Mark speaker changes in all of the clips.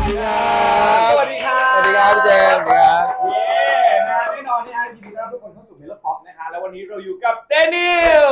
Speaker 1: ดีครับสวัสดีครับสวัสดีครับพี่เจมส์ครับแน่นอนที่ไอทีดีต้อนรับทุกคนเข้าสู่เมโลป๊อปนะคะแล้ววันนี้เราอยู่กับเดนิล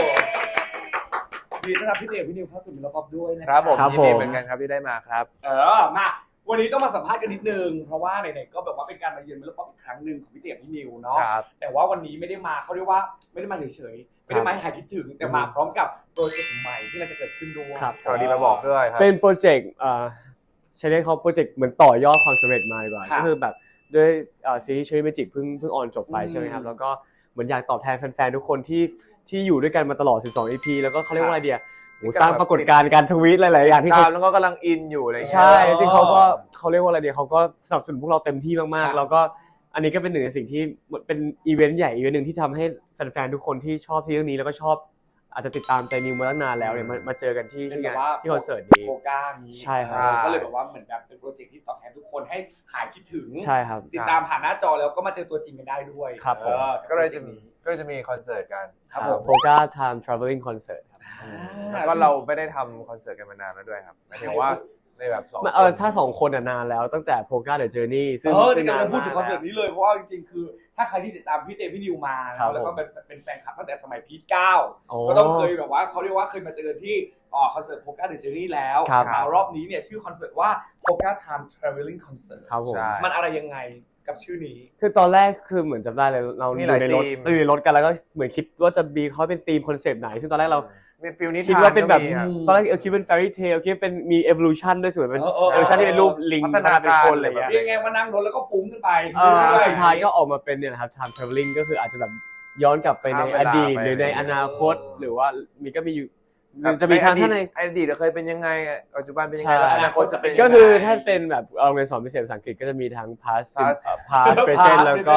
Speaker 1: ดีต้อนรับพี่เจมส์พี่นิวเข้าสู่เมโลป๊อปด้วยนะครับ
Speaker 2: ผมยินดีเหมือนกันครับที่ได้มาครับ
Speaker 1: มาวันนี้ต้องมาสัมภาษณ์กันนิดนึงเพราะว่าไหนๆก็แบบว่าเป็นการมาเยือนเมโลป๊อปอีกครั้งหนึ่งของพี่เจมส์พี่นิวเนาะแต่ว่าวันนี้ไม่ได้มาเขาเรียกว่าไม่ได้มาเฉยๆไม่ได้มาให้หายคิดถึงแต่มาพร้อมกับโปรเจกต์ใหม่ที่เราจะเกิดขึ้นด้วย
Speaker 2: สวัสดีมาบอกด้วยครับ
Speaker 3: เป็นโปรเจกต์ใช้ได้เขาโปรเจกต์เหมือนต่อยอดความสำเร็จมาดีกว่าก็คือแบบด้วยซีรีส์ Cherry Magic เพิ่งออนจบไปใช่ไหมครับแล้วก็เหมือนอยากตอบแทนแฟนๆทุกคนที่อยู่ด้วยกันมาตลอด12 EP แล้วก็เขาเรียกว่าอะไรเดียสร้างปรากฏการณ์การทวีตหลายๆอย่างที่เขา
Speaker 2: แล้วก็กำลังอินอยู่อะไร
Speaker 3: ใช่ที่เขาเรียกว่าอะไรเดียเขาก็สนับสนุนพวกเราเต็มที่มากๆแล้วก็อันนี้ก็เป็นหนึ่งในสิ่งที่เป็นอีเวนต์ใหญ่อีเวนต์หนึ่งที่ทำให้แฟนๆทุกคนที่ชอบที่เรื่องนี้แล้วก็ชอบอาจจะติดตามใจนิวมาตั้งนานแล้วเนี่ยมาเจอกันที่คอนเสิร์ตนี้
Speaker 1: โคก้านี้
Speaker 3: ใช่ครับ
Speaker 1: ก็เลยแบบว่าเหมือนแบบเป็นโปรเจกต์ที่ตอบแทนทุกคนให้หายคิดถึง
Speaker 3: ใช่ครับ
Speaker 1: ติดตามผ่านหน้าจอแล้วก็มาเจอตัวจริงกันได้ด้วย
Speaker 3: ครับผม
Speaker 2: ก็เลยจะมีคอนเสิร์ตกัน
Speaker 1: ครับ
Speaker 3: โคก้า Time Traveling Concert ครับ
Speaker 2: แล้วก็เราไม่ได้ทำคอนเสิร์ตกันมานานแล้วด้วยครับหมายถึงว่าในแบบ
Speaker 3: ถ้า2คนนานแล้วตั้งแต่ Polka The Journey ซึ่ง
Speaker 1: นานพูดถึงคอนเสิร์ตนี้เลยเพราะว่าจริงๆคือถ้าใครที่ติดตามพี่เจพี่นิวมาแล้วก็เป็นแฟนคลับตั้งแต่สมัยพีท9ก็ต้องเคยแบบว่าเขาเรียกว่าเคยมาเจอที่คอนเสิร์ต Polka The Journey แล้วรอบนี้เนี่ยชื่อคอนเสิร์ตว่า Polka Time Traveling Concert มันอะไรยังไงกับชื่อนี้
Speaker 3: คือตอนแรกคือเหมือนจำได้เลยเราอยู่ในรถกันแล้วก็เหมือนคิดว่าจะมีเขาเป็นธีมคอนเซปต์ไหนซึ่งตอนแรกเราคิดว่าเป็นแบบตอนแรกคิดเป็น fairy tale คิดเป็นมี evolution ด้วยส่วนเป็น evolution ที่เป็นรูปลิงพัฒนาเป็นคนอะไรอย่างเงี้
Speaker 1: ยยังไงมานั่งรถแล้วก็ฟุ้งขึ้นไป
Speaker 3: สุดท้ายก็ออกมาเป็นเนี่ยนะครับ time traveling ก็คืออาจจะแบบย้อนกลับไปในอดีตหรือในอนาคตหรือว่าจะมีทางท่านใน
Speaker 2: อดีตเคยเป็นยังไงปัจจุบันเป็นยังไงแล้วอนาคตจะเป็น
Speaker 3: ก็คือถ้าเป็นแบบเราเรียนสอนพิเศษภาษาอังกฤษก็จะมีทั้ง past present แล้วก็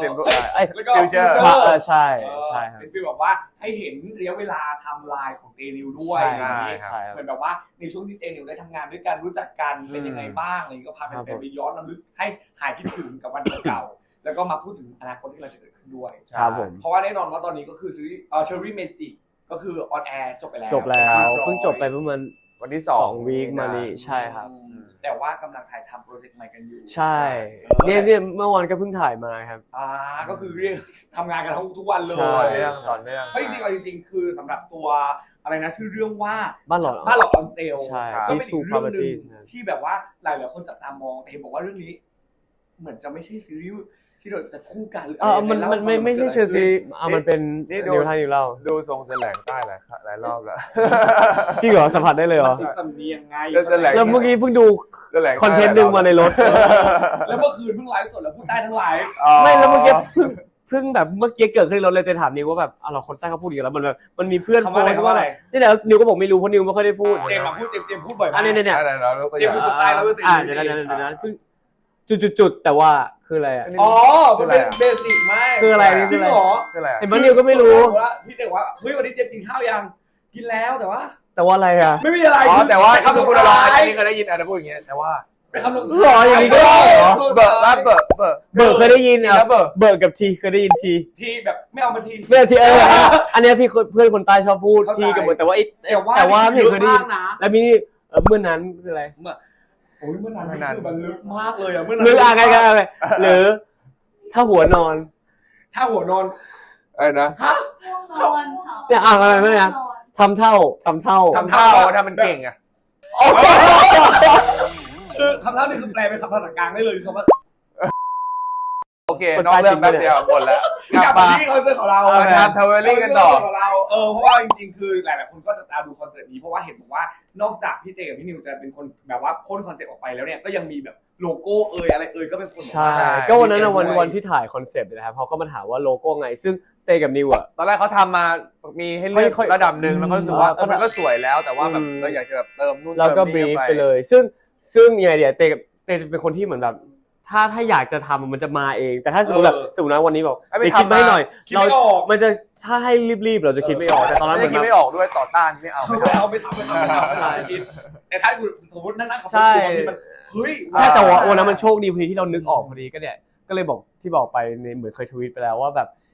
Speaker 2: future
Speaker 3: ใช่ครับ
Speaker 1: เป็นฟีลแบบว่าให้เห็นระยะเวลาไทม์ไลน์ของเตนิวด้วย
Speaker 2: ใช่
Speaker 1: เหมือนแบบว่าในช่วงที่เตนิวได้ทำงานด้วยกันรู้จักกันเป็นยังไงบ้างอะไรก็พาแฟนๆไปย้อนรำลึกให้หายคิดถึงกับวันเก่าแล้วก็มาพูดถึงอนาคตที่เราจะเกิดขึ้นด้วยเพราะว่าแน่นอนว่าตอนนี้ก็คือซีรีส์Cherry Magicก็คือออนแอร์จบไปแล้ว
Speaker 3: เพิ่งจบไปประมาณ
Speaker 2: วันที่
Speaker 3: 2วีคมานี้ใช่ครับ
Speaker 1: แต่ว่ากำลังถ่ายทำโปรเจกต์ใหม่กันอยู่
Speaker 3: ใช่เนี่ยเมื่อวันก็เพิ่งถ่ายมาครับ
Speaker 1: ก็คือเรียกทำงานกันทุกวันเลย
Speaker 2: ต่อเนื่อง
Speaker 1: เพราะจริงๆคือสำหรับตัวอะไรนะชื่อเรื่องว่า
Speaker 3: บ้านหลอด
Speaker 1: ออนเซลก็เป็นอีกเรื่องนึงที่แบบว่าหลายๆคนจับตามองเห็นบอกว่าเรื่องนี้เหมือนจะไม่ใช่ซีรีส์ที่เราจะคู่กัน
Speaker 3: มันไม่ใช่เชอร์ซีมันเป็นนิวไทยนิวเล่า
Speaker 2: ดูทรงจะแหลงใต้หลายรอบแล้ว
Speaker 3: จริงเหรอสัมผัสได้เลยเหรอ
Speaker 1: สำเนียงไง
Speaker 3: แล้วเมื่อกี้เพิ่งดูคอนเทนต์นึงมาในรถ
Speaker 1: แล้วเมื่อคืนเพิ่งไลฟ์สดแล้วพูดใต้ทั้งไลฟ์
Speaker 3: ไม่แล้วเมื่อกี้เพิ่งแบบเมื่อกี้เกิดขึ้นในรถเลยแต่ถามนิวว่าแบบเราคนใต้เขาพูดอย่างแล้วมันแบบมันมีเพื่อนโพสต์ว่าอะไรนี่แหละนิวก็บอกไม่รู้เพราะนิวไม่ค่อยได้พูด
Speaker 1: เจมส์พูดบ่อยมาก
Speaker 3: เนี่ย
Speaker 1: เจมส์พูดใต้แล้วเ
Speaker 3: ดี๋ยวเพิ่งจุดแต่ว่าคืออะไรอ่ะ
Speaker 1: มันเป็นเบสิกมาก
Speaker 3: คืออะไร
Speaker 1: จริงเหรอ
Speaker 3: เห็นมันนิวก็ไม่รู้
Speaker 1: พี่เด็กว่าเฮ้ยวันนี้เจมส์กินข้าวยังกินแล้วแต่ว่า
Speaker 3: อะไรอ่ะ
Speaker 1: ไม่มีอะไร
Speaker 2: แต่ว่าคำพูดเราอันนี้ก็ได้ยินพูดอย่างเงี้ยแต่ว่า
Speaker 1: เป็นคำลง
Speaker 3: หรออย่างนี้ก็ได้เหรอ
Speaker 2: เบิร์เค
Speaker 3: ยได้ยินอ่ะเบิร์กับทีเคยได้ยิน
Speaker 1: ทีแบบไม่เอามาที
Speaker 3: ไม่ทีอันนี้พี่เพื่อนคนใต้ชอบพูดทีกับเบิร์แต่ว่าไม่เคยได้ยินแล้วมีเมื่อนั้นคืออะไร
Speaker 1: โอ้ยเมื่อนานคือมันลึกมากเลยอ่ะเมื่อ
Speaker 3: นั้นลึกอะไรหรือถ้าหัวนอน
Speaker 2: อะไรนะ
Speaker 1: ฮะ
Speaker 3: เนี่ยอะไรไม่นะทำเท่าถ้า
Speaker 2: มันเก่งอ่ะ
Speaker 1: คือทำเท่านี่คือแปลเป็นคำภาษากลางได้เลยคำว่า
Speaker 2: โอเคนอกเรื่องแป๊บเดียวหมดแล้ว
Speaker 1: กลับมาที่คอนเสิร์ตของเรา
Speaker 2: มาทำทาวเวอร์ลิ่งกันต่อ
Speaker 1: เพราะว่าจริงๆคือหลายๆคนก็จะตามดูคอนเสิร์ตนี้เพราะว่าเห็นบอกว่านอกจากพี่เจกับพี่นิวจะเป็นคนแบบว่าพ่นคอนเสิร์ตออกไปแล้วเนี่ยก็ยังมีแบบโลโก้อะไรก็เป็นคน
Speaker 3: ใช่ก็วันนั้นวันที่ถ่ายคอนเซปต์นะครับเขาก็มาถามว่าโลโก้ไงซึ่งเต้กับนิวอ่ะ
Speaker 2: ตอนแรกเขาทำมามีให้เลือกระดับหนึ่งแล้วก็รู้สึกว่ามันก็สวยแล้วแต่ว่าแบบเราอยากจะแบบเติมนู่นเติมนี่
Speaker 3: แล้วก็บรีฟไปเลยซึ่งยังไงเดี๋ยวเต้จะเป็นคนที่เหมือนแบบถ้าอยากจะทำมันจะมาเองแต่ถ้าสมมตินะวันนี้บอกไปคิดไม่หน่อยเรามันจะถ้าให้รีบๆเราจะคิดไม่ออกแต่ตอนนั้น
Speaker 2: มันคิดไม่ออกด้วยต่อต้านไม่เอา
Speaker 1: ไม่ทำคิดแต่ถ้าสมมตินั่งๆเขาพูดที่มันเฮ้ย
Speaker 3: แต่ว่าโอ้นะมันโชคดีพอดีที่เรานึกออกพอดีก็เนี่ยก็เลยบอกที่บอกไปในเหมือนเคยทวีตไปแล้วว่าแบบ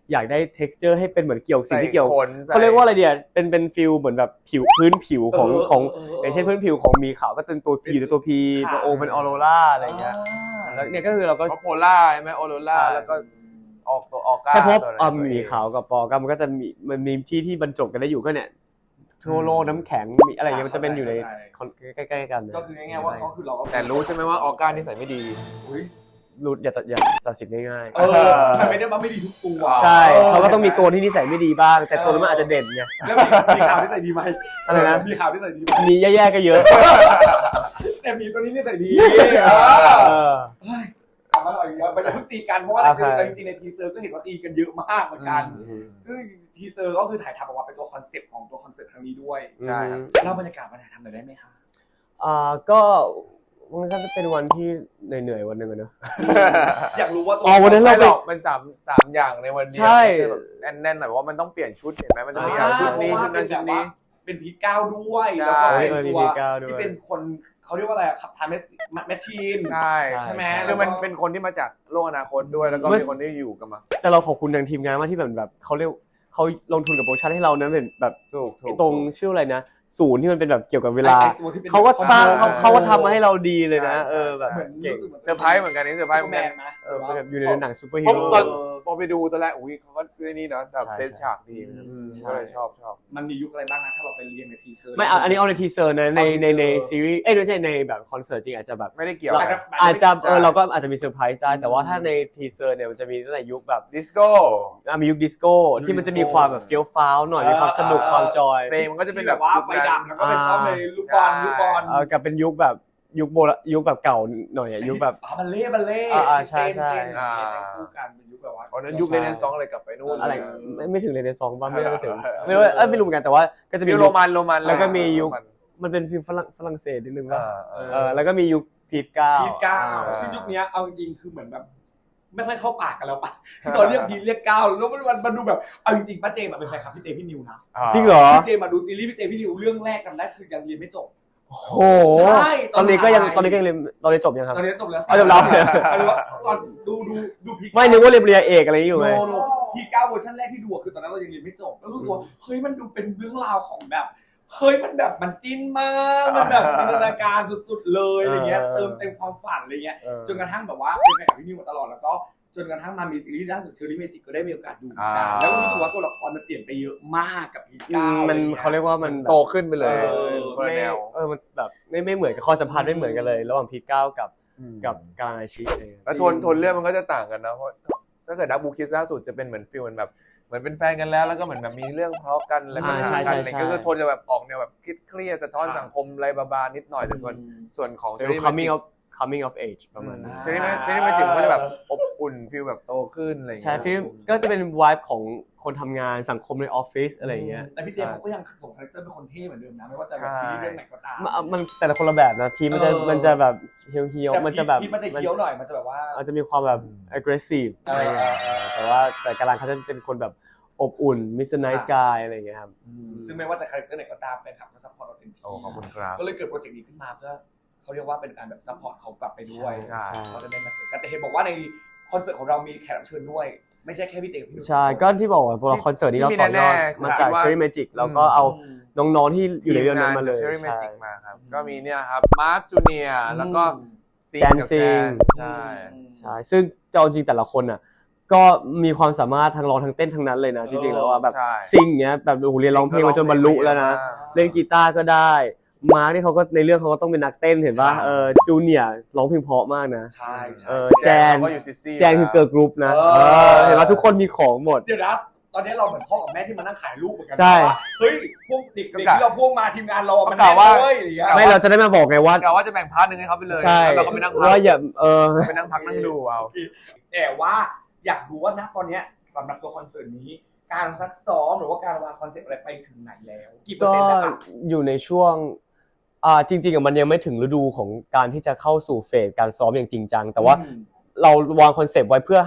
Speaker 3: อยากได้ texture ให้เป็นเหมือนเกี่ยวสิ่งที่เกี่ยว
Speaker 2: ใส่ขนใส่
Speaker 3: เขาเรียกว่าอะไรเดียเป็นฟิลเหมือนแบบพื้นผิวของอย่างเช่นพื้นผิวของมีขาวก็เป็นตัว P หรือตัว P ตัว O เป็นออโรราอะไรเงี้ยแล้วเนี่ยก็คือเราก็
Speaker 2: เพราะโพล่าใช่ไหมออโรราแล้วก็ออกตัวออกก้า
Speaker 3: ใช่เพราะ
Speaker 2: ตัวอะไร
Speaker 3: มีขาวกับปอก้ามันก็จะมีที่บรรจบกันได้อยู่ก็เนี่ยทั่วโลกน้ำแข็งมีอะไรเงี้ยมันจะเป็นอยู่ในใกล้ๆกัน
Speaker 1: ก็คือง่ายๆว่าก็คือเราก็
Speaker 2: แต่รู้ใช่ไหมว่าออกก้านี่ใส่ไม่ดี
Speaker 3: รู้อย่าตัดสินง่ายๆ
Speaker 1: มันไม่ได้ว่าไม่ดีทุกตัว
Speaker 3: ใช่เขาก็ต้องมีตัวที่นิสัยไม่ดีบ้างแต่ตัวนั้นมันอาจจะเด่นไง
Speaker 1: แล้วมีข่าวที่ใส่ดีไหม
Speaker 3: อะไรนะ
Speaker 1: มีข่าวที่ใส่ดีไหม
Speaker 3: มีแย่ๆก็เยอะ
Speaker 1: แต่มีตัวนี้ที่ใส่ดี
Speaker 3: เออ
Speaker 1: ถามว่าเราอย่างเงี้ยมันจะเพิ่งตีกันเพราะว่าจริงๆในทีเซอร์ก็เห็นว่าตีกันเยอะมากเหมือนกันซึ่งทีเซอร์ก็คือถ่ายทำออกมาเป็นตัวคอนเซ็ปต์ของตัวคอนเสิร์ตครั้งนี้ด้วย
Speaker 2: ใช่ครับ
Speaker 1: เล่าบรรยากาศมาถ่ายทำหน่อยได้ไหมคะ
Speaker 3: ก็มันก็จะเป็นวันที่เหนื่อยๆวันหนึ่งอะเนอะ
Speaker 1: อยากรู้ว่า
Speaker 3: วันนั้น
Speaker 2: ไม่
Speaker 3: เรา
Speaker 2: หร
Speaker 3: ไป
Speaker 2: อกมันสามอย่างในวันเดียว
Speaker 3: ใช่
Speaker 2: มันจะแบบแน่นๆหน่อยว่ามันต้องเปลี่ยนชุดเห็นไหมมันต้องมีชุดนี้ชุดนั้นชุดนี้
Speaker 1: เป็นพีก้าวด้วย
Speaker 2: ใช่
Speaker 1: แล้วก็เป็น
Speaker 3: มี
Speaker 1: ตัว
Speaker 3: พีก้าวด้วย
Speaker 1: ที่เป็นคนเขาเรียกว่าอะไรขับทานแมชชีน
Speaker 2: ใช่
Speaker 1: ใช่ไหม
Speaker 2: คือมันเป็นคนที่มาจากโลกอนาคตด้วยแล้วก็มีคนที่อยู่กันมา
Speaker 3: แต่เราขอบคุณทางทีมงานมากที่แบบเขาลงทุนกับโปรดักชั่นให้เรานั้นเป็นแบบ
Speaker 2: ถูก
Speaker 3: ตรงชื่ออะไรนะศูนย์ที่มันเป็นแบบเกี่ยวกับเวลา
Speaker 1: ไอ้ตัวที่เป็น
Speaker 3: เขาก็สร้าง
Speaker 2: คอมพิวเตอร์
Speaker 3: เขาก็ทำมาให้เราดีเลยนะ
Speaker 2: ใช่
Speaker 3: แบบ
Speaker 2: ใช่
Speaker 1: เหมือน
Speaker 3: เก่ง
Speaker 1: รู้สึกเหมือน
Speaker 2: เซอร์ไพรส์เหมือนกันนี่เซอร์ไพรส์เหมือน
Speaker 1: แม
Speaker 2: กัน
Speaker 1: นนะ
Speaker 3: แบบอยู่ในหนังซูเปอร์ฮี
Speaker 2: เพราะ
Speaker 3: โร่
Speaker 2: ตอนพอไปดูตอนแรกอุ้ยเขาก็ด้วยนี่เนาะแบบ
Speaker 3: ใช่
Speaker 2: เซตฉากดี
Speaker 3: ใช่
Speaker 2: ก็เลยชอบ
Speaker 1: มันมียุคอะไรบ้างนะถ้าเราไปเรียนในทีเซอร์
Speaker 3: ไม่อันนี้เอาในทีเซอร์นะใน
Speaker 1: เอาใน
Speaker 3: ซีรีส์ไม่ใช่ในแบบคอนเสิร์ตจริงอาจจะแบบ
Speaker 2: ไม่ได้เกี่ยว
Speaker 3: เรา
Speaker 2: กับ
Speaker 3: อาจจะ
Speaker 2: ใช่
Speaker 3: เราก็อาจจะมีเซอร์ไพรส์ได้แต่ว่าถ้าในทีเซอร์เนี่ยมันจะมีตั้งแต่ยุคแบบ
Speaker 2: ดิสโก้
Speaker 3: มียุคดิสโก้ที่มันจะมีความแบบเฟี้ยวฟ้าวหน่อยมีความสนุกความจอย
Speaker 2: เพลงมันก็จะเป็นแบบ
Speaker 1: ว่าไฟดำแล้วก็ไปซ้อมในลูกบอล
Speaker 2: ใช่
Speaker 1: ลูกบอล
Speaker 3: กับเป็นยุคแบบยุคแบบเก่าหน่อยยุคแบบ
Speaker 1: บัลเล่
Speaker 3: ใช่ใช่
Speaker 1: เต้นคู่กันเป็นยุคแบบว่า
Speaker 2: ตอนนั้นยุคเลนซองอะไรกลับไปนู่น
Speaker 3: อะไรไม่ถึงเลยในซองบ้างไม่ได้ถึงไม่รู้ไม่รู้เหมือนกันแต่ว่าก็จะมี
Speaker 2: ฟิล
Speaker 3: ยุ
Speaker 2: โร
Speaker 3: ค
Speaker 2: มัน
Speaker 3: แล้วก็มียุค มันเป็นฟิลฝรั่งเศสนิดนึงว่าแล้วก็มียุคพีทเก้า
Speaker 1: พีทเก้าซึ่งยุคนี้เอาจริงๆคือเหมือนแบบไม่ค่อยเข้าปากกันแล้วปะตอนเรียกพีทเรียกเก้าแล้วมันดูแบบเอาจริงๆป้าเจมเป็นแฟนคลับพี่เตพี่นิวนะ
Speaker 3: จริงเหรอ
Speaker 1: พี่เจมาดูซีรีส์พี่เตพี่นิวเรื่องแรกกันได้คือยังเรียนไม่จบ
Speaker 3: โอ้โห
Speaker 1: ใช่
Speaker 3: ตอนนี้ก็ยังเรียนตอนนี้จบยังครับ
Speaker 1: ตอนนี้จบแล้ว
Speaker 3: จบแล้ว
Speaker 1: ตอนดูพี
Speaker 3: ไม่นึกว่าเรียนปริญญาเอกอะไรอยู่ไง
Speaker 1: โนพีเก้าเวอร์ชันแรกที่ดูคือตอนนั้นเรายังเรียนไม่จบแล้วรู้สึกว่าเฮ้ยมันดูเป็นเรื่องราวของแบบเฮ้ยมันแบบมันจิ้นมากมันแบบจินตนาการสุดๆเลยอะไรเงี้ยเติมเต็มความฝันอะไรเงี้ยจนกระทั่งแบบว่าเป็นแฟนกับพี่นิวมาตลอดแล้วก็จนกระทั่งมามีซีรีส์ล่าสุดเชอรี่เมจิกก็ได้มีโอกาสดูกันแล้วก็รู้สึกว่าตัวละครมันเปลี่ยนไปเยอะมากกับพีเก้า
Speaker 3: มันเขาเรียกว่ามัน
Speaker 2: โตขึ้นไปเลยคนละแนว
Speaker 3: มันแบบไม่เหมือนกับข้อสัมพันธ์ไม่เหมือนกันเลย ระหว่างพีทเก้ากับการอาชีพเอง
Speaker 2: แล้วโทนเรื่องมันก็จะต่างกันนะเพราะถ้าเกิดดับบูคิสล่าสุดจะเป็นเหมือนฟิลแบบเหมือนเป็นแฟนกันแล้วก็เหมือนแบบมีเรื่องทะเลาะกันอะไรปัญหากันอะไรก็คือโทนจะแบบออกแนวแบบเครียดสะท้อนสังคมอะไรบาๆนิดหน่อยแต่ส่วนของ
Speaker 3: เป็น coming of age ประมาณนั้น
Speaker 2: ซีรีส์เมจิกก็จะแบบอบอุ่นฟิลแบบโตขึ้นอะไรอย่าง
Speaker 3: ใช่
Speaker 2: เงี้ย
Speaker 3: ฟิลก็จะเป็น vibe ของคนทำงานสังคมในออฟฟิศอะไรอย่างเงี้ย
Speaker 1: แต่พี่เจเขาก็ยังส่งคาแรคเตอร์เป็นคนเท่เหมือนเดิมนะไม่ว่าจะแบบซีรีส์เรื่องไหนก็ตาม
Speaker 3: มันแต่ละคนละแบบนะพีมันจะแบบเฮียวมันจะแบบ
Speaker 1: พีทมันจะเคี้ยวหน่อยมันจะแบบว่า
Speaker 3: มันจะมีความแบบ aggressive อะไรอย่างเงี้ยแต่การันเขาจะเป็นคนแบบอบอุ่น Mr. Nice Guy อะไรอย่างเงี้ยครับ
Speaker 1: ซึ่งไม่ว่าจะคาแรคเตอร์ไหนก็ตามแฟนคลับก็ซัพพอร์ตเราเต็มที่
Speaker 2: โอ้ขอบคุณครับ
Speaker 1: ก็เลยเกิดโปรเจกต์นี้ขึ้นมาเพื่อเขาเรียกว่าเป็นการแบบซัพพอร์ตเขากลับไปด้วย
Speaker 2: ใช่
Speaker 1: เขาจะได้มาเจอกันแต่เห็นบอกว่าในคอนเสิร์ตของเรามีแขกรับเชิญด้วย ไม่ใช่แค่พี่เต๋อพี่
Speaker 3: ใช่ก็ที่บอกว่าพอคอนเสิร์ตนี้เราต่อยอดมาจาก Cherry Magic แล้วก็เอาน้องๆที่อยู่ในเรื่องนั้นมาเลย
Speaker 2: เชอรี่เมจิกมาครับก็มีเนี่ยครับมาร์คจูเนียร์แล้วก็ซีนกับแจนใช่
Speaker 3: ใช่ซึ่งเอาจริงแต่ละคนอ่ะก็มีความสามารถทั้งร้องทั้งเต้นทั้งนั้นเลยนะจริงๆแล้วว่าแบบซิงเงี้ยแบบโอ้โหเรียนร้องเพลงมาจนบรรลุแล้วนะเล่นกีตาร์ก็ได้มาร์คนี่เขาก็ในเรื่องเขาก็ต้องเป็นนักเต้นเห็นป่ะจูเนียร์ร้องเพลงเพราะมากนะ
Speaker 1: ใช่
Speaker 3: แจนคือเกิร์ลกรุ๊ปนะเห็นป่ะทุกคนมีของหมด
Speaker 1: เดี๋ยวนะตอนนี้เราเหมือนพ่อกับแม่ที่มานั่งขายลูกเหมือนกัน
Speaker 3: ใช่
Speaker 1: เฮ้ยพวกเด็กที่เราพ่วงมาทีมงานเรามัน
Speaker 2: กล่าวว่า
Speaker 3: ไม่เราจะได้มาบอกไงว่าก
Speaker 2: ะว่าจะแบ่งพาร์ทนึงให้เขาไปเลย
Speaker 3: ใช่
Speaker 2: แล้วเราก็ไปนั่งพัก
Speaker 3: ว่าอย่า
Speaker 2: ไปนั่งพักนั่งดูเอา
Speaker 1: แต่ว่าอยากรู้ว่าณตอนนี้สำหรับตัวคอนเสิร์ตนี้การซักซ้อมหรือว่าการวางคอนเซ็ปต์อะไรไปถึงไหนแล้วกี่เปอร์
Speaker 3: ก็
Speaker 1: เซ็นต์แล้วอะ
Speaker 3: อยู่ในช่วงจริงๆมันยังไม่ถึงฤดูของการที่จะเข้าสู่เฟสการซ้อมอย่างจริงจังแต่ว่าเราวางคอนเซปต์ไว้เพื่อให้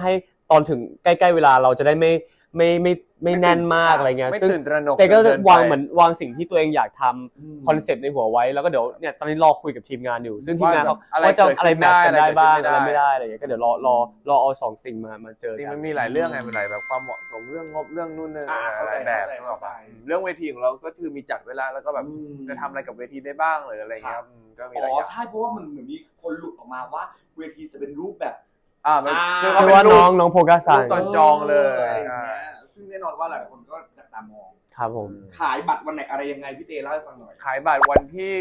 Speaker 3: ตอนถึงใกล้ๆเวลาเราจะได้ไม่แน่นมากอะไรเงี้ย
Speaker 2: ไม่
Speaker 3: ซึ่ง
Speaker 2: ตื่นตระหนก
Speaker 3: แต่ก็
Speaker 2: เกินไป
Speaker 3: วางเหมือนวางสิ่งที่ตัวเองอยากทำคอนเซ็ปต์ในหัวไว้แล้วก็เดี๋ยวเนี่ยตอนนี้รอคุยกับทีมงานอยู่ซึ่งทีมงานเขาว่าจะอะไรแมทช์กันได้บ้างอะไรไม่ได้อะไรอย่างเงี้ยก็เดี๋ยวรอเอาสองสิ่งมาเจอ
Speaker 2: จริง
Speaker 3: กั
Speaker 2: มัน นมีหลายเรื่องไงมันหลายแบบความเหมาะสมเรื่องงบเรื่องนู่นนี่หลายแบบเรื่องเวทีของเราก็คือมีจัดเวลาแล้วก็แบบจะทำอะไรกับเวทีได้บ้างหรืออะไรเงี้ยก็มีหลายอย่าง
Speaker 1: ใช่เพราะว่ามันเหมือนมีคนหลุดออกมาว่าเวทีจะเป็นรูปแบบ
Speaker 2: มัน
Speaker 3: คือว่าน้องโพกาซัง
Speaker 2: ตอนจองเลย
Speaker 1: ซึ่งแน่นอนว่าหลายคนก็จับตามอง
Speaker 3: ครับผม
Speaker 1: ขายบัตรวันไหนอะไรยังไงพี่เจเล่าให้ฟังหน่อย
Speaker 2: ขายบัตรวันที่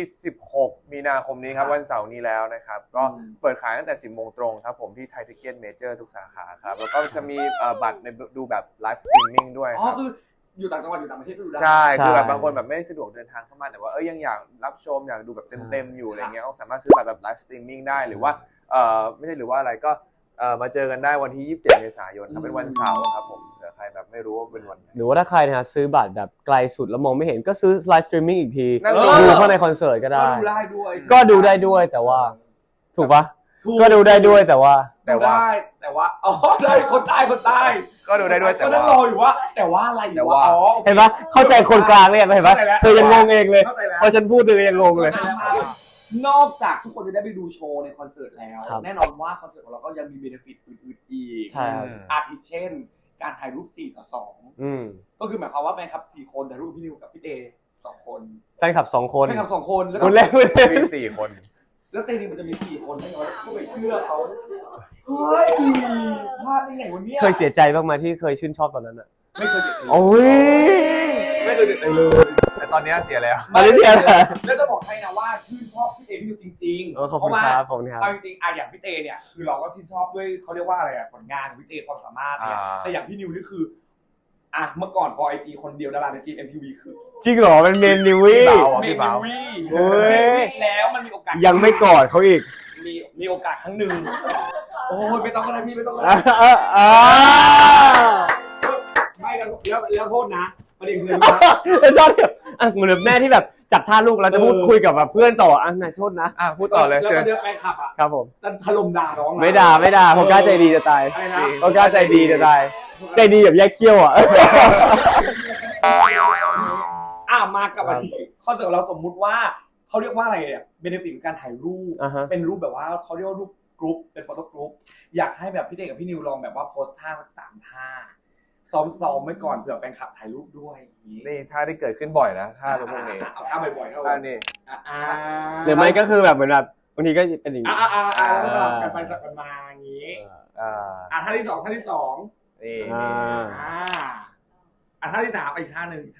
Speaker 2: 16มีนาคมนี้ครับวันเสาร์นี้แล้วนะครับก็เปิดขายตั้งแต่ 10 โมงตรงครับผมที่ไทยทิกเก็ตเมเจอร์ทุกสาขาครับแล้วก็จะมีบัตรในดูแบบไลฟ์สตรีมมิ่งด้วยครับ
Speaker 1: คืออยู่ต่างจังหวัดอยู่ต่างประเทศก็ดูได้
Speaker 2: ใช่คือแบบบางคนแบบไม่ได้สะดวกเดินทางเข้ามาแต่ว่ายังอยากรับชมอยากดูแบบเต็มๆอยู่อะไรเงี้ยก็สามารถซื้อบัตรแบบไลฟ์สตรีมมิ่งได้หรือว่าไม่ใช่หรือว่าอะไรก็มาเจอกันได้วันที่27เมษายนครับเป็นวันเสาร์ครับผมเผื่อใครแบบไม่รู้ว่าเป็นวันไหน
Speaker 3: หรือว่าถ้าใครนะครับซื้อบัตรแบบไกลสุดแล้วมองไม่เห็นก็ซื้อไลฟ์สตรีมมิ่งอีกที
Speaker 2: นั่ง
Speaker 3: ดูเข้าในคอนเสิร์ตก็ได้
Speaker 1: ดูได้ด้วย
Speaker 3: ก็ดูได้ด้วยแต่ว่าถูกปะก็ดูได้ด้วยแต่ว่า
Speaker 1: ได้คนใต้
Speaker 2: ก็ดูได้ด้วยแต่
Speaker 1: ก็
Speaker 2: ว่า
Speaker 1: นั่งรออยู่ว่าแต่ว่าอะไรอยู่ว่า
Speaker 3: เห็นปะเข้าใจคนกลางเลยเห็นปะเธอยังงงเองเลยพอฉันพูดเธอยังงงเลย
Speaker 1: นอกจากทุกคนจะได้ไปดูโชว์ในคอนเสิร์ตแล้วแน่นอนว่าคอนเสิร์ตของเราก็ยังมีเบเนฟิตอื่นๆอีกอาทิเช่นการถ่ายรูป4:2ก็คือหมายความว่าแฟนคลับ4คนแต่รูปพี่นิวกับพี่เต2คน
Speaker 3: แฟนคลับ2คน
Speaker 1: แฟนคลับ2คนแล้ว
Speaker 3: คนแรกไม่ได้
Speaker 2: มี4 คน
Speaker 1: แล้วเตนิวมันจะมี4คนได้ไงก็ไปเชื่อเขาเฮ้ยพลาดได้ไงวันนี้
Speaker 3: เคยเสียใจบ้างไหมที่เคยชื่นชอบตอนนั้นอ่ะ
Speaker 1: ไม่เคยเสียใจ
Speaker 3: โอ้ย
Speaker 1: ไม่เคยเสียใจเลย
Speaker 2: แต่ตอนนี้เสียแล้ว
Speaker 3: ตอนนี้เสียแล้ว
Speaker 1: แล้วจะบอกให้นะว่าชื่นชอบพี่เตพี่นิวจริงๆ
Speaker 3: ขอบคุณครับขอบคุณครับ
Speaker 1: เอาจริงๆอย่างพี่เตเนี่ยคือเราก็ชื่นชอบด้วยเขาเรียกว่าอะไรผลงานพี่เตความสามารถเนี่ยแต่อย่างพี่นิวนี่คือเมื่อก่อนพอไอจีคนเดียวดาราในจีMTVคือ
Speaker 3: จริงเหรอเป็นเมนนิวี่
Speaker 2: พี่บ่าว
Speaker 3: โอ้ย
Speaker 1: แล้วมันมีโอกาส
Speaker 3: ยังไม่กอดเขาอีก
Speaker 1: มีโอกาสครั้งหนึ่งโอ้ยไม่ต้องก็ได้พี่ไม่ต้องก็
Speaker 3: อ่า
Speaker 1: ได้
Speaker 3: อ่า
Speaker 1: ไม่แล้วโทษนะประเด็นคือ
Speaker 3: แล้วชอบแบบเหมือนแม่ที่แบบจับท่าลูกแล้วจะพูดคุยกับแบบเพื่อนต่อนายโทษนะ
Speaker 2: พูดต่อเลย
Speaker 1: แล้ว
Speaker 2: เชิ
Speaker 1: ก็
Speaker 2: ญ
Speaker 1: เดี๋ยวไปขับ
Speaker 3: ครับผม
Speaker 1: จะถล่มด่าน้อง
Speaker 3: ไม่ด่าผมกล้าใจดีจะตาย
Speaker 1: อะไรนะ
Speaker 3: ผมกล้าใจดีจะตายใจดีแบบแยกเขี้ยวอ่ะ
Speaker 1: มากับอันนี้คอนเสิร์ตเราสมมุติว่าเขาเรียกว่าอะไรเบนฟิตการถ่ายรูปเป็นรูปแบบว่าเขาเรียกว่ารูปกรุ๊ปเป็นโฟโต้กรุ๊ปอยากให้แบบพี่เต้กับพี่นิวลองแบบว่าโพสท่าสัก3 ท่าซ้อมไว้ก่อนเผื่อแฟนคลับถ่ายรูปด้วย
Speaker 2: นี่ท่าที่เกิดขึ้นบ่อยนะท่าพวกนี้
Speaker 1: เอาท่าบ่อยๆ
Speaker 2: ท่านี้
Speaker 3: หรือไม่ก็คือแบบเหมือนแบบบางทีก็เป็นอย่างนี้
Speaker 1: แล้วก็สลับกันไปสลับกันมาอย่างนี้ท่าที่2
Speaker 2: นี่
Speaker 1: ท่าที่3อีกท่าหนึ่ง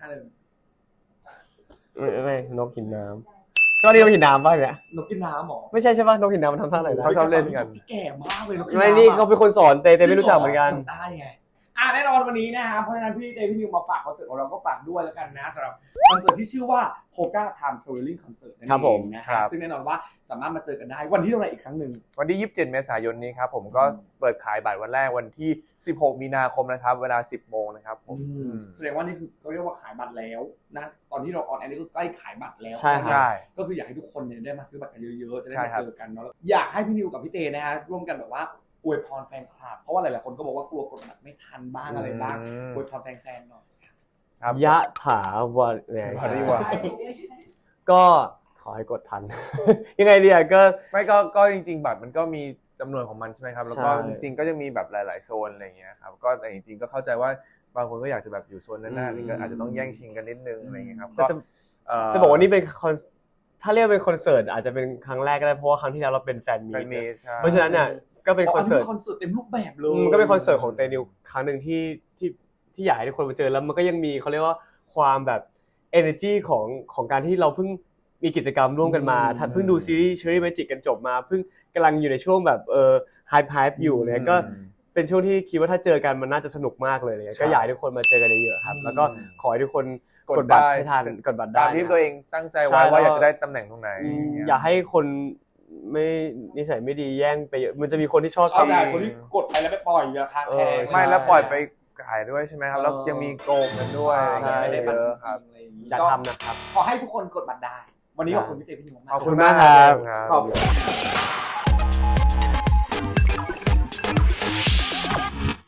Speaker 3: ไม่นกหินน้ำชอบนี่นกหินน้ำป่ะเนี่ย
Speaker 1: นกกินน้ำหรอ
Speaker 3: ไม่ใช่ป่ะนกหินน้ำมันทำท่าไหนนะ
Speaker 2: เขาชอบเล่นกัน
Speaker 1: ที่แก่มากเลยนกกิน
Speaker 3: ไม่
Speaker 1: น้ำ
Speaker 3: นี่เขาเป็นคนสอนเต้ไม่รู้จักเหมือนกัน
Speaker 1: ได้ไงแน่นอนวันนี้นะครับเพราะฉะนั้นพี่เต้พี่นิวมาฝากคอนเสิร์ตของเราก็ฝากด้วยแล้วกันนะสำหรับคอนเสิร์ตที่ชื่อว่า Hoka Time Traveling Concert นั่นเองนะครับซึ่งแน่นอนว่าสามารถมาเจอกันได้วันที่เท่าไหร่อีกครั้งหนึ่ง
Speaker 2: วันที่27เมษายนนี้ครับผมก็เปิดขายบัตรวันแรกวันที่16มีนาคมนะครับเวลา 10 โมงนะครับผม
Speaker 1: แสดงว่านี่คือเขาเรียกว่าขายบัตรแล้วนะตอนที่เราออนแอร์นี่ก็ใกล้ขายบัตรแล้ว
Speaker 3: ใช่
Speaker 1: ก็คืออยากให้ทุกคนเนี่ยได้มาซื้อบัตรกันเยอะๆจะได้มาเจอกันเนาะอยากให้พี่นิวกับพี่เต้นะฮะร่วมกันแบบว่าอวยพรแฟนคลับเพราะว่าหลายๆคนก็บอกว่ากลัวกดบัตรไม่ทันบ้างอะไรบ้างอวยพรแฟนๆหน่อย
Speaker 3: ยะถาวะเนี่ยก็ขอให้กดทัน ยังไงดีอ่ะก็
Speaker 2: ไม่ก็จริงๆบัตรมันก็มีจำนวนของมันใช่ไหมครับแล้วก็จริงๆก็จะมีแบบหลายๆโซนอะไรอย่างเงี้ยครับก็แต่จริงๆก็เข้าใจว่าบางคนก็อยากจะแบบอยู่โซนนั้นๆนี่ก็อาจจะต้องแย่งชิงกันนิดนึงอะไรอย่างเงี้ยครับก็
Speaker 3: จะบอกว่านี่เป็นถ้าเรียกเป็นคอนเสิร์ตอาจจะเป็นครั้งแรกก็ได้เพราะว่าครั้งที่แล้วเราเป็นแฟนมีตเพราะฉะนั้นเนี่ยก็เป็นคอนเสิร์ต
Speaker 1: เต็มรูปแบบเลย
Speaker 3: ก็เป็นคอนเสิร์ตของเตนิวครั้งหนึ่งที่อยากให้ทุกคนมาเจอแล้วมันก็ยังมีเขาเรียกว่าความแบบ energy ของการที่เราเพิ่งมีกิจกรรมร่วมกันมาเพิ่งดูซีรีส์ Cherry Magic กันจบมาเพิ่งกำลังอยู่ในช่วงแบบhype อยู่เนี่ยก็เป็นช่วงที่คิดว่าถ้าเจอกันมันน่าจะสนุกมากเลยก็อยากให้ทุกคนมาเจอกันเยอะๆครับแล้วก็ขอให้ทุกคนกดบัตรให้ทันกดบัตรได้
Speaker 2: ตามที่ตัวเองตั้งใจไว้ว่าอยากจะได้ตำแหน่งตรงไหน
Speaker 3: อย่าให้คนไม่นิสัยไม่ดีแย่งไปเยอะมันจะมีคนที่ชอบ
Speaker 1: คนที่กดไปแล้วไปปล่อยราคาแพง
Speaker 2: ไม่แล้วปล่อยไปขายด้วยใช่ไหมครับแล้วยังมีโกงกันด้วย
Speaker 1: ไม่ได้บัตร
Speaker 2: ครับ
Speaker 3: อยากทำนะครับ
Speaker 1: ขอให้ทุกคนกดบัตรได้วันนี้ขอบคุณพี่เต้พี่นิวมาก
Speaker 3: ขอบคุณมากครับ
Speaker 1: ขอบคุณ